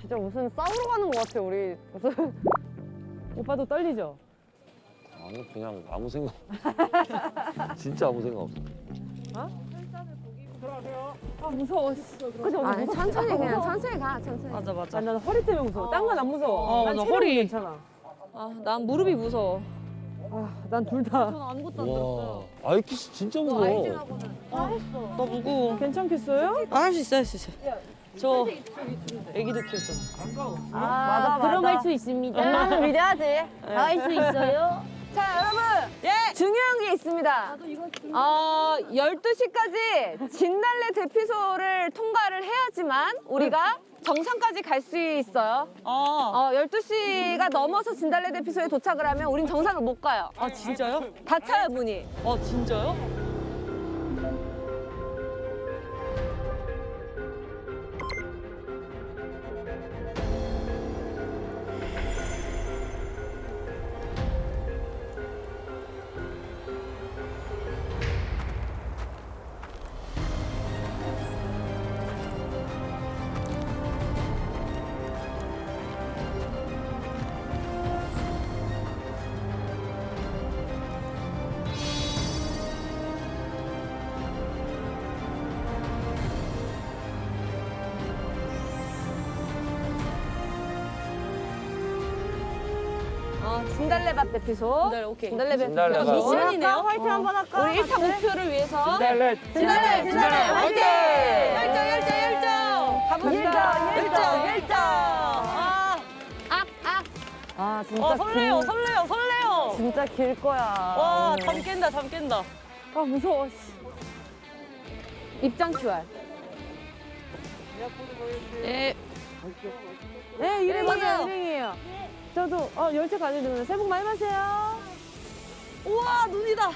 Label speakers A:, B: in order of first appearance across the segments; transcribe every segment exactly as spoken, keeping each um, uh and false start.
A: 진짜 무슨 싸우러 가는 것 같아 우리. 무슨 오빠도 떨리죠?
B: 아니 그냥 아무 생각. 진짜 아무 생각 없어.
A: 어?
C: 들어가세요.
A: 아 무서워. 그치?
D: 아니 천천히 그냥 천천히 가 천천히.
E: 맞아 맞아.
A: 아, 난 허리 때문에 무서워. 딴 건 안 무서워.
E: 어,
A: 난
E: 맞아,
A: 체력은
E: 허리.
A: 괜찮아.
D: 아, 난 무릎이 무서워.
A: 아, 난 둘 다.
D: 저는 아무것도 안
B: 와,
D: 들었어요.
B: 아이키스 진짜 무거워.
D: 아이진하고는 다 했어.
E: 나 무거워.
A: 괜찮겠어요?
E: 아, 할 수 있어 할 수 있어. 저 애기도 키웠잖아.
A: 아, 맞아. 그럼 할 수 있습니다.
D: 엄마는 믿어야지.
A: 다 할 수 있어요.
D: 자, 여러분.
E: 예.
D: 중요한 게 있습니다. 어, 열두 시까지 진달래 대피소를 통과를 해야지만 우리가 정상까지 갈 수 있어요.
E: 아,
D: 어, 열두 시가 넘어서 진달래 대피소에 도착을 하면 우린 정상을 못 가요.
E: 아 진짜요?
D: 다 차요, 문이.
E: 아 진짜요?
D: 어, 진달래밭 대피소.
E: 진달래, 오케이.
D: 진달래
B: 진달래밭.
D: 대피소.
A: 미션이네요. 화이팅 한번 할까?
D: 우리 일 차 목표를 위해서.
B: 진달래.
D: 진달래, 진달래, 화이팅!
E: 열정 열정 열정.
D: 가봅시다.
E: 열정 열정. 아,
D: 악, 악.
A: 아, 진짜.
E: 어 설레요
A: 길,
E: 설레요 설레요.
A: 진짜 길 거야.
E: 와,
A: 오늘.
E: 잠 깬다 잠 깬다.
A: 아, 무서워.
D: 입장 큐알.
E: 예.
A: 네, 일행이에요,
E: 맞아요.
A: 일행이에요. 저도 어, 열차 가야 되는데 새해 복 많이 받으세요.
E: 우와 눈이다.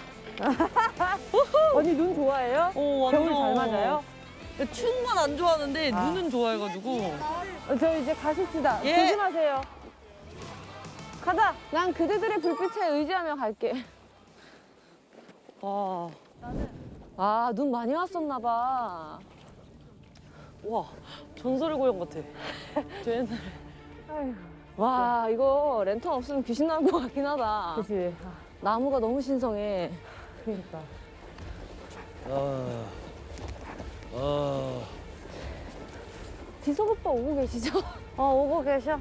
A: 언니 눈 좋아해요?
E: 오 완전.
A: 겨울 잘 맞아요?
E: 추운 건 안 좋아하는데
A: 아.
E: 눈은 좋아해가지고.
A: 어, 저 이제 가십시다.
E: 예.
A: 조심하세요. 가자.
D: 난 그대들의 불빛에 의지하며 갈게.
E: 와.
D: 아, 눈 많이 왔었나 봐.
E: 와 전설의 고향 같아. 저 옛날에.
A: 아휴,
D: 와, 이거 랜턴 없으면 귀신 나올 것 같긴 하다.
A: 그치. 아,
D: 나무가 너무 신성해.
A: 그러니까.
B: 아, 아.
D: 지석 오빠 오고 계시죠?
A: 어, 오고 계셔.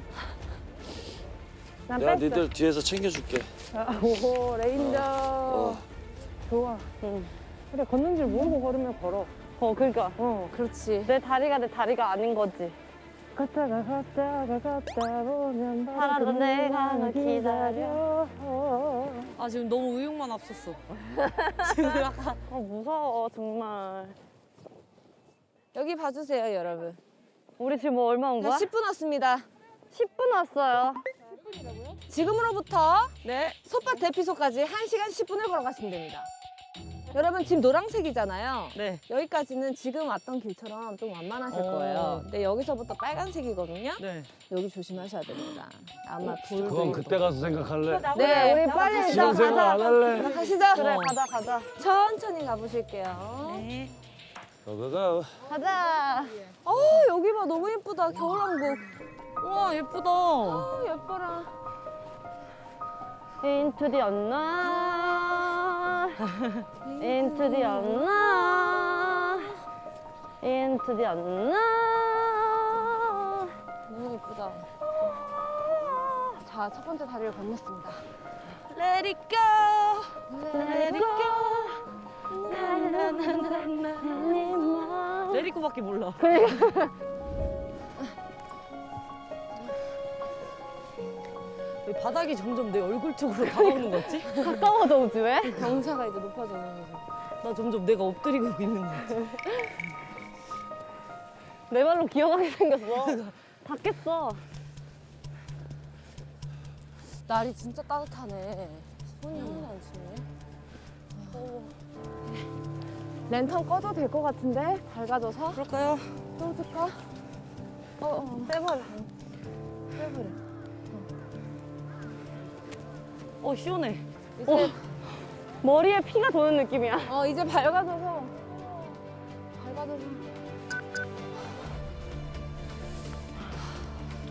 A: 난
B: 내가
A: 뺐어.
B: 니들 뒤에서 챙겨줄게.
A: 아, 오, 레인저.
B: 어.
A: 좋아. 응. 그래, 걷는 줄 모르고 걸으면 걸어. 어, 그러니까. 어.
D: 그렇지.
A: 내 다리가 내 다리가 아닌 거지. 걷다가 걷다가 걷다 보면 바라도 내가 널 기다려.
E: 아 지금 너무 의욕만 앞섰어. 지금 약간.
A: 아, 무서워, 정말.
D: 여기 봐주세요, 여러분.
A: 우리 지금 뭐 얼마 온 거야?
D: 십 분 왔습니다.
A: 십 분 왔어요.
D: 지금으로부터
E: 네.
D: 솥밭 대피소까지 한 시간 십 분을 걸어가시면 됩니다. 여러분 지금 노란색이잖아요.
E: 네.
D: 여기까지는 지금 왔던 길처럼 좀 완만하실
E: 어.
D: 거예요. 근데 여기서부터 빨간색이거든요.
E: 네.
D: 여기 조심하셔야 됩니다. 아마 돌도
B: 그건
D: 있고.
B: 그때 가서 생각할래.
D: 네.
A: 우리 빨리 일단
B: 지금 생각
A: 가자.
B: 안 할래.
D: 가시죠.
A: 그래,
E: 어.
A: 가자, 가자.
D: 천천히 가보실게요.
E: 네.
B: 고고고.
A: 가자.
D: 어 여기 봐 너무 예쁘다. 겨울왕국.
E: 우와 예쁘다.
D: 어 예뻐라.
A: Into the unknown. Into the unknown. Into the unknown.
D: 너무 예쁘다. 자 첫 번째 다리를 건넜습니다.
E: Let it go. Let it go. Let it go밖에 몰라. 왜 바닥이 점점 내 얼굴 쪽으로 다가오는 것 같지?
A: 가까워져 오지 왜?
D: 경사가 이제 높아지는 거죠.
E: 나 점점 내가 엎드리고 있는 것 같아.
A: 내 발로 기어가게 생겼어. 닿겠어.
D: 날이 진짜 따뜻하네. 손이 하나도 안 치네. 랜턴 꺼도 될 것 같은데? 밝아져서?
E: 그럴까요?
D: 꺼줄까? 어, 어.
A: 빼버려.
D: 빼버려.
E: 어 시원해.
D: 이제,
A: 머리에 피가 도는 느낌이야.
D: 어, 이제 밝아져서. 밝아져서.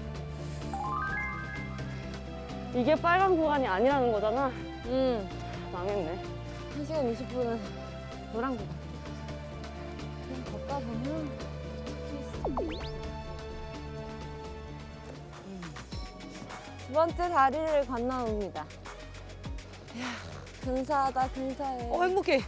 A: 이게 빨간 구간이 아니라는 거잖아.
D: 음.
A: 망했네.
D: 한 시간 이십 분은 노란 구간. 그냥 걷다 보면 두 번째 다리를 건너옵니다. 이야, 근사하다, 근사해.
E: 어 행복해.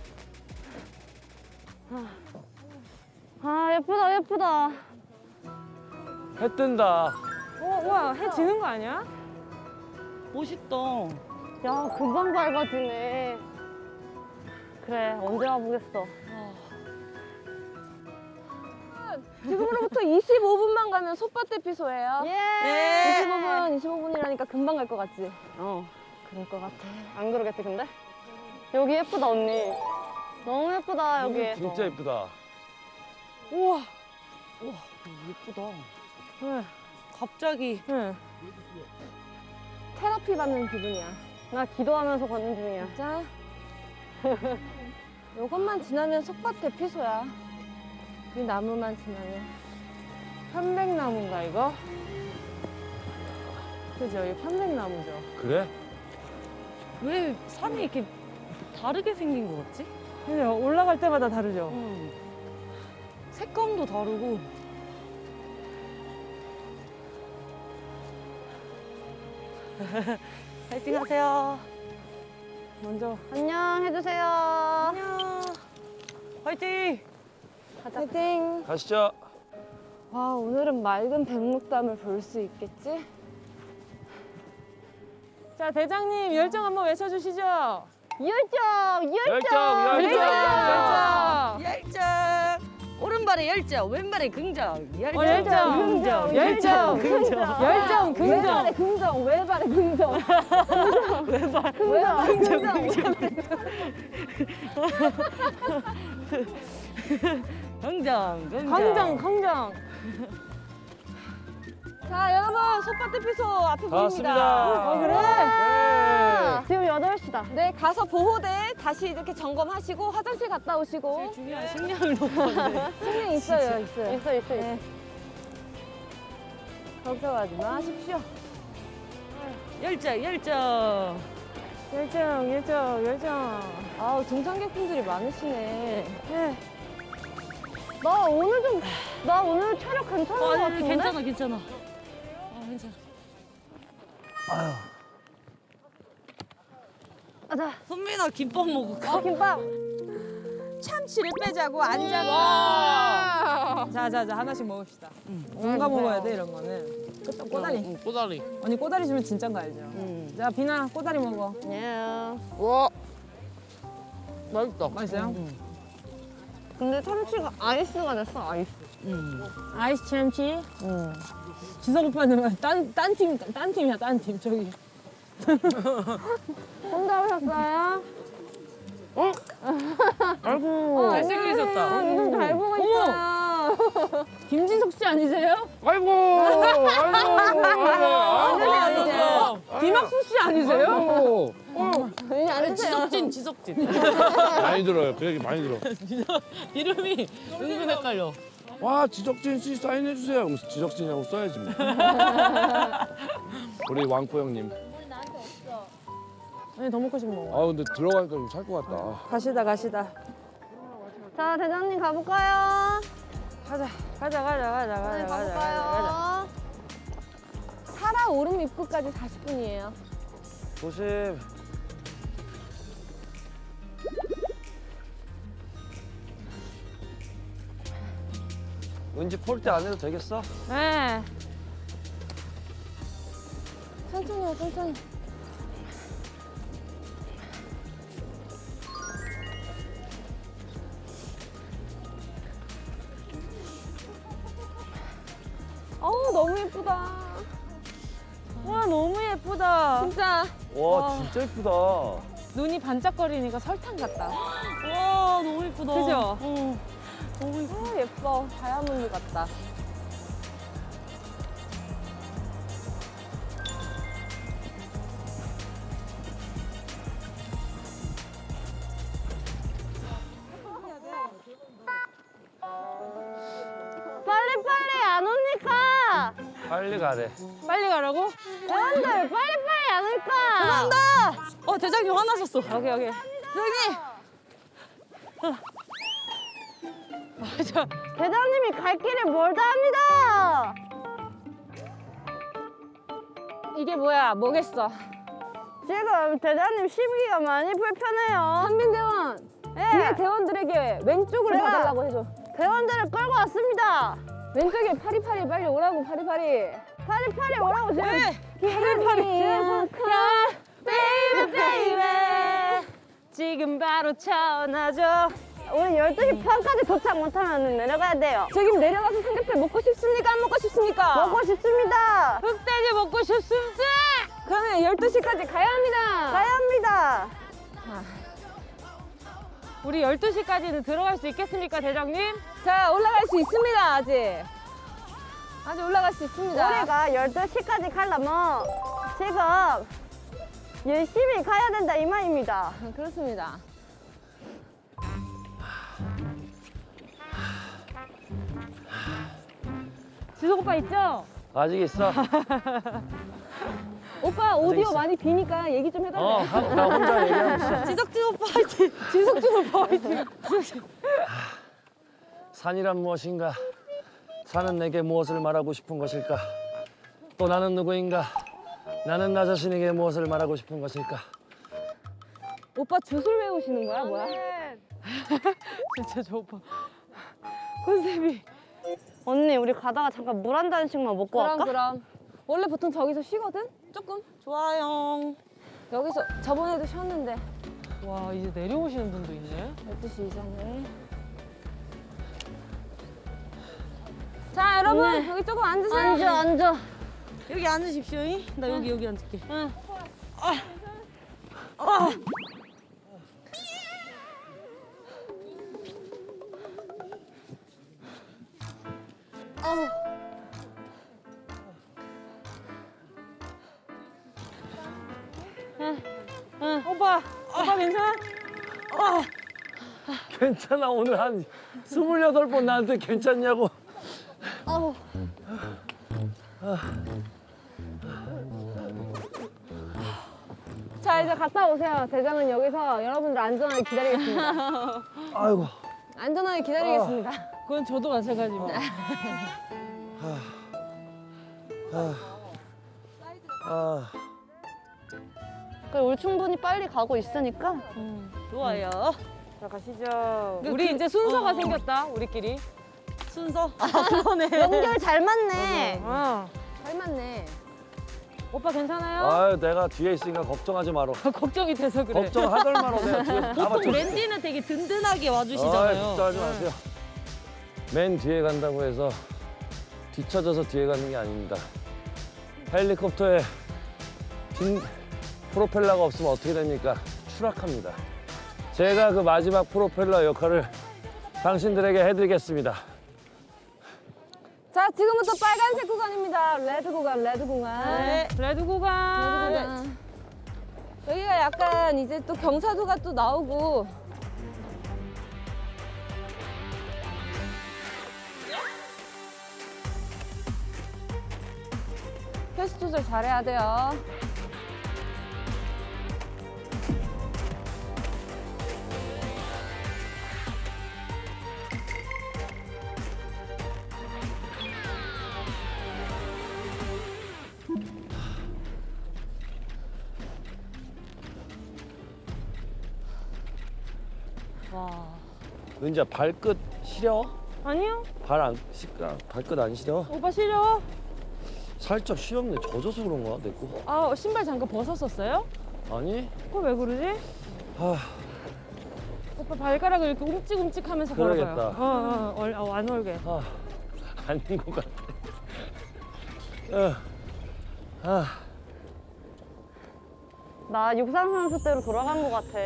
A: 아, 예쁘다, 예쁘다.
B: 해 뜬다.
A: 어, 와, 해 지는 거 아니야?
E: 멋있다.
A: 야, 금방 밝아지네. 그래, 언제 와보겠어.
D: 지금으로부터 이십오 분만 가면 솥밭대피소예요.
A: 예!
D: 이십오 분, 이십오 분이라니까 금방 갈 것 같지?
A: 어,
D: 그럴 것 같아.
A: 안 그러겠지, 근데? 여기 예쁘다, 언니. 너무 예쁘다, 여기.
B: 진짜 예쁘다.
E: 우와. 우와 예쁘다.
A: 응,
E: 갑자기.
A: 응.
D: 테라피 받는 기분이야.
A: 나 기도하면서 걷는 중이야.
D: 진짜? 요것만 지나면 솥밭대피소야. 이 나무만 지나면.
A: 편백나무인가, 이거? 그죠, 이거 편백나무죠.
B: 그래?
E: 왜 산이 이렇게 다르게 생긴 거 같지?
A: 그죠, 올라갈 때마다 다르죠?
E: 응. 색감도 다르고. 파이팅 하세요.
A: 먼저, 안녕 해주세요.
E: 안녕. 파이팅.
D: 파이팅!
B: 가시죠.
D: 와, 오늘은 맑은 백록담을 볼 수 있겠지?
A: 자, 대장님, 열정 한번 외쳐주시죠. 열정!
B: 열정, 열정, 열정.
E: 열정. 오른발에 열정, 왼발에 긍정. 열정,
A: 어, 열정,
E: 긍정.
A: 열정,
E: 긍정.
A: 열정,
D: 왼발에 긍정, 왼발에 긍정.
E: 왼발,
D: 왼발 긍정.
E: 긍정, 긍정.
A: 긍정, 긍정.
D: 자, 여러분, 솥밭대피소 앞에
B: 다
D: 보입니다.
B: 왔습니다.
A: 어, 그래?
B: 네.
A: 지금 여덟 시다.
D: 네, 가서 보호대 다시 이렇게 점검하시고 화장실 갔다 오시고.
E: 중요한 식량을 놓고 왔네.
D: 식량 있어요, 있어요.
A: 있어, 있어, 있어.
D: 네. 걱정하지 마십시오.
E: 열정, 열정.
A: 열정, 열정, 열정.
D: 아우, 등산객분들이 많으시네.
A: 네. 나 오늘 좀, 나 오늘 체력 괜찮은
E: 어,
A: 것
E: 아니,
A: 같은데?
E: 괜찮아, 괜찮아. 어, 괜찮아.
A: 가자.
E: 선민아 김밥 먹을까?
A: 어, 김밥.
D: 참치를 빼자고 앉았다.
F: 자자자 하나씩 먹읍시다. 뭔가 먹어야 돼 이런 거는. 끝- 꼬다리.
B: 응, 꼬다리.
F: 언니 꼬다리 주면 진짠 거 알죠? 자 비나 꼬다리 먹어.
A: 안녕.
B: 와. 맛있다.
F: 맛있어요?
A: 근데 참치가 아이스가 됐어, 아이스.
F: 아이스 참치. 지석 오빠는 딴딴 팀 딴 팀이야 딴 팀 저기.
A: 혼자 오셨어요?
B: 아이고.
F: 잘생기셨다.
A: 이거 잘 보고
F: 어머!
A: 있어요.
F: 김진석 씨 아니세요?
B: 아이고. 아이고. 아이고.
F: 아니세요? 김학수 씨 아니세요?
B: 아이고.
A: 이제 앉으세요.
E: 지석진, 지석진.
B: 많이 들어요. 그 얘기 많이 들어.
E: 이름이 은근 헷갈려.
B: 와, 지적진 씨 사인해 주세요. 그럼 지적진이라고 써야지 뭐. 우리 왕포 형님.
F: 아니 더 먹고 싶어.
B: 아, 근데 들어가니까 좀 살 것 같다.
F: 가시다 가시다.
A: 자, 대장님 가볼까요?
F: 가자 가자 가자 가자 가자
A: 네,
F: 가자 가자.
A: 가볼까요?
D: 사라 오름 입구까지 사십 분이에요.
B: 조심. 은지 폴대 안 해도 되겠어?
F: 네.
D: 천천히요, 천천히. 어우, 너무 예쁘다.
F: 와 너무 예쁘다.
D: 진짜.
B: 와, 진짜 예쁘다.
F: 눈이 반짝거리니까 설탕 같다.
E: 와 너무 예쁘다.
F: 그죠?
E: 어. 너무 예뻐.
D: 어, 예뻐. 다이아몬드 같다.
A: 빨리빨리 안 오니까
B: 빨리 가래.
F: 빨리 가라고?
A: 대원들 빨리빨리 안 올까?
E: 죄송합니다. 어 대장님 화나셨어.
F: 여기 여기.
E: 대장님.
F: 맞아.
A: 대장님이 갈 길을 멀다 합니다.
D: 이게 뭐야? 뭐겠어?
A: 지금 대장님 심기가 많이 불편해요.
D: 한민대원.
A: 예.
D: 뒤에 대원들에게 왼쪽으로
A: 제가-
D: 봐달라고 해줘.
A: 대원들을 끌고 왔습니다.
D: 왼쪽에 파리파리 빨리 오라고 파리파리.
A: 파리파리 오라고 지금.
D: 파리파리.
A: 야,
D: 베이비 베이비. 지금 바로 전화줘.
A: 우리 열두 시 반까지 도착 못하면 내려가야 돼요.
D: 지금 내려가서 삼겹살 먹고 싶습니까? 안 먹고 싶습니까?
A: 먹고 싶습니다.
F: 흑돼지 먹고 싶습니다.
D: 그러면 열두 시까지 가야 합니다.
A: 가야 합니다.
F: 우리 열두 시까지는 들어갈 수 있겠습니까, 대장님?
D: 자, 올라갈 수 있습니다, 아직. 아직 올라갈 수 있습니다.
A: 우리가 열두 시까지 가려면 지금 열심히 가야 된다 이 말입니다.
D: 아, 그렇습니다.
F: 지석 오빠 있죠?
B: 아직 있어.
D: 오빠 오디오
B: 있어.
D: 많이 비니까 얘기 좀 해달래.
B: 어, 하- 나 혼자 얘기하고 있어.
E: 지석진 오빠 화이팅.
F: 지석진 오빠 화이팅.
B: 산이란 무엇인가? 산은 내게 무엇을 말하고 싶은 것일까? 또 나는 누구인가? 나는 나 자신에게 무엇을 말하고 싶은 것일까?
D: 오빠 주술 외우시는 거야, 뭐야?
F: 진짜 저 오빠. 컨셉이.
A: 언니 우리 가다가 잠깐 물 한 잔씩만 먹고
D: 그럼
A: 갈까?
D: 그럼. 원래 보통 저기서 쉬거든? 조금?
E: 좋아요.
D: 여기서 저번에도 쉬었는데
F: 와, 이제 내려오시는 분도 있네.
D: 열두 시 이전에. 자, 여러분
A: 네.
D: 여기 조금 앉으세요.
A: 앉아 앉아.
E: 여기 앉으십시오. 나 여기 여기 앉을게.
F: 오빠, 오빠 괜찮아?
B: 괜찮아. 오늘 한 스물여덟 번 나한테 괜찮냐고.
D: 자, 이제 갔다 오세요. 대장은 여기서 여러분들 안전하게 기다리겠습니다.
B: 아이고.
D: 안전하게 기다리겠습니다.
F: 그건 저도 마찬가지입니다.
B: 아,
A: 그래, 우리 충분히 빨리 가고 있으니까.
E: 좋아요.
F: 자, 가시죠.
E: 그-
F: 우리
E: 그-
F: 이제 순서가
E: 어.
F: 생겼다, 우리끼리.
E: 순서. 아 그러네.
A: 연결 잘 맞네.
F: 어.
D: 잘 맞네.
F: 오빠 괜찮아요?
B: 아유, 내가 뒤에 있으니까 걱정하지 마라.
F: 걱정이 돼서 그래.
B: 걱정하덜 마라. 내가 뒤에서 다
E: 보통
B: 맞춰.
E: 랜디는 되게 든든하게
B: 아,
E: 와주시잖아요.
B: 걱정하지 마세요. 맨 뒤에 간다고 해서 뒤쳐져서 뒤에 가는 게 아닙니다. 헬리콥터에 뒷 프로펠러가 없으면 어떻게 됩니까? 추락합니다. 제가 그 마지막 프로펠러 역할을 당신들에게 해드리겠습니다.
D: 자, 지금부터 빨간색 구간입니다. 레드 구간, 레드 구간.
F: 네, 레드 구간.
D: 레드 구간. 여기가 약간 이제 또 경사도가 또 나오고. 페이스 조절 잘해야 돼요.
E: 와.
B: 은지야, 발끝 시려?
F: 아니요,
B: 발 안, 시, 아, 발끝 안 시려?
F: 오빠 시려.
B: 살짝 시렵네. 젖어서 그런가? 내 거?
F: 아, 신발 잠깐 벗었었어요?
B: 아니?
F: 그거 왜 그러지?
B: 아,
F: 오빠 발가락을 이렇게 움찔움찔하면서
B: 그러겠다.
F: 걸어봐요. 어, 어, 얼, 어, 안 올게.
B: 아, 아닌 것 같아. 어, 아,
A: 나 육상 선수 때로 돌아간 것 같아.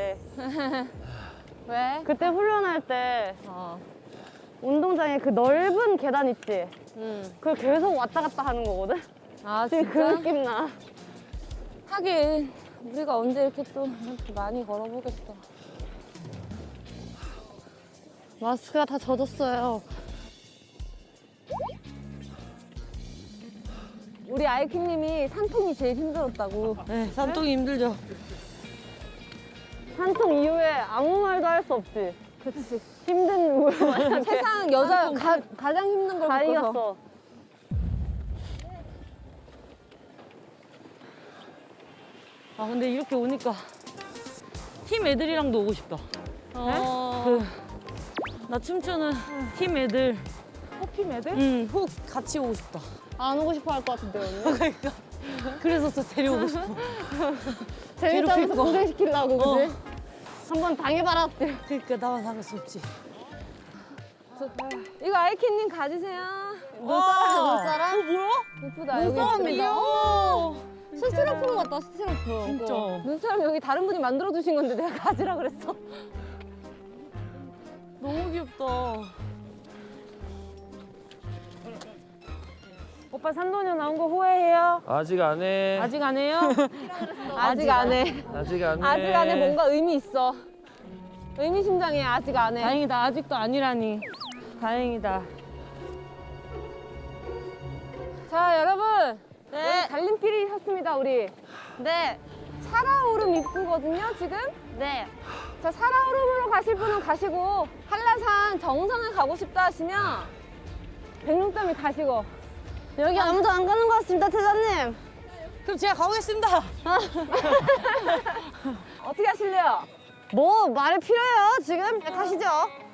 D: 왜?
A: 그때 훈련할 때
D: 어.
A: 운동장에 그 넓은 계단 있지?
D: 음.
A: 그걸 계속 왔다 갔다 하는 거거든?
D: 아,
A: 지금 그
D: 진짜?
A: 느낌 나.
D: 하긴 우리가 언제 이렇게 또 이렇게 많이 걸어보겠어.
A: 마스크가 다 젖었어요.
D: 우리 아이키님이 산통이 제일 힘들었다고.
E: 네, 산통이 힘들죠.
A: 산통 이후에 아무 말도 할 수 없지. 그치. 힘든 우만
D: 세상 여자 가, 가장 힘든 걸
A: 다
D: 겪어서.
A: 이겼어.
E: 아 근데 이렇게 오니까 팀 애들이랑도 오고 싶다.
D: 어...
E: 그, 나 춤추는 팀 애들,
A: 호피 매들?
E: 응, 훅 같이 오고 싶다.
A: 안 오고 싶어 할 것 같은데, 언니.
E: 그러니까 그래서 또 데려오고 싶어.
A: 재밌다면서
E: 괴롭힐 거.
A: 고생시키려고,
E: 어.
A: 그지? 한번 당해봐라.
E: 그러니까 나만 당할 수 없지.
D: 이거 아이키님 가지세요.
A: 눈사람, 눈사람?
E: 어 뭐야?
D: 예쁘다. 여기
E: 눈사람
D: 있습니다.
E: 귀여워.
D: 스티로폼 같다, 스티로폼.
E: 진짜.
D: 어. 눈사람 여기 다른 분이 만들어 주신 건데 내가 가지라 그랬어.
E: 너무 귀엽다.
F: 오빠 산도녀 나온 거 후회해요?
B: 아직 안 해.
F: 아직 안 해요?
D: 아직 안 해.
B: 아직 안 해.
D: 아직 안 해. 뭔가 의미 있어. 의미심장해. 아직 안 해.
F: 다행이다. 아직도 아니라니. 다행이다.
D: 자, 여러분. 네. 달림길이 섰습니다, 우리. 네. 살아오름 입구거든요, 지금? 네. 자, 살아오름으로 가실 분은 가시고, 한라산 정상을 가고 싶다 하시면, 백룡담이 가시고.
A: 여기 아무도 안 가는 것 같습니다, 태자님.
E: 그럼 제가 가보겠습니다.
D: 어떻게 하실래요?
A: 뭐, 말이 필요해요, 지금? 네, 가시죠.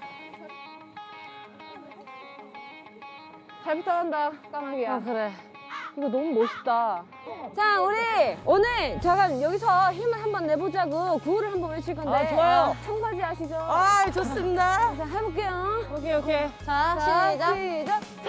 D: 잘 부탁한다, 까마귀야.
A: 아, 그래.
D: 이거 너무 멋있다. 자, 우리 오늘 잠깐 여기서 힘을 한번 내보자고 구호를 한번 외칠 건데.
E: 아, 좋아요.
D: 청바지 아시죠?
E: 아 좋습니다.
D: 자, 해볼게요.
A: 오케이, 오케이.
D: 자,
A: 자,
D: 시작.
A: 시작.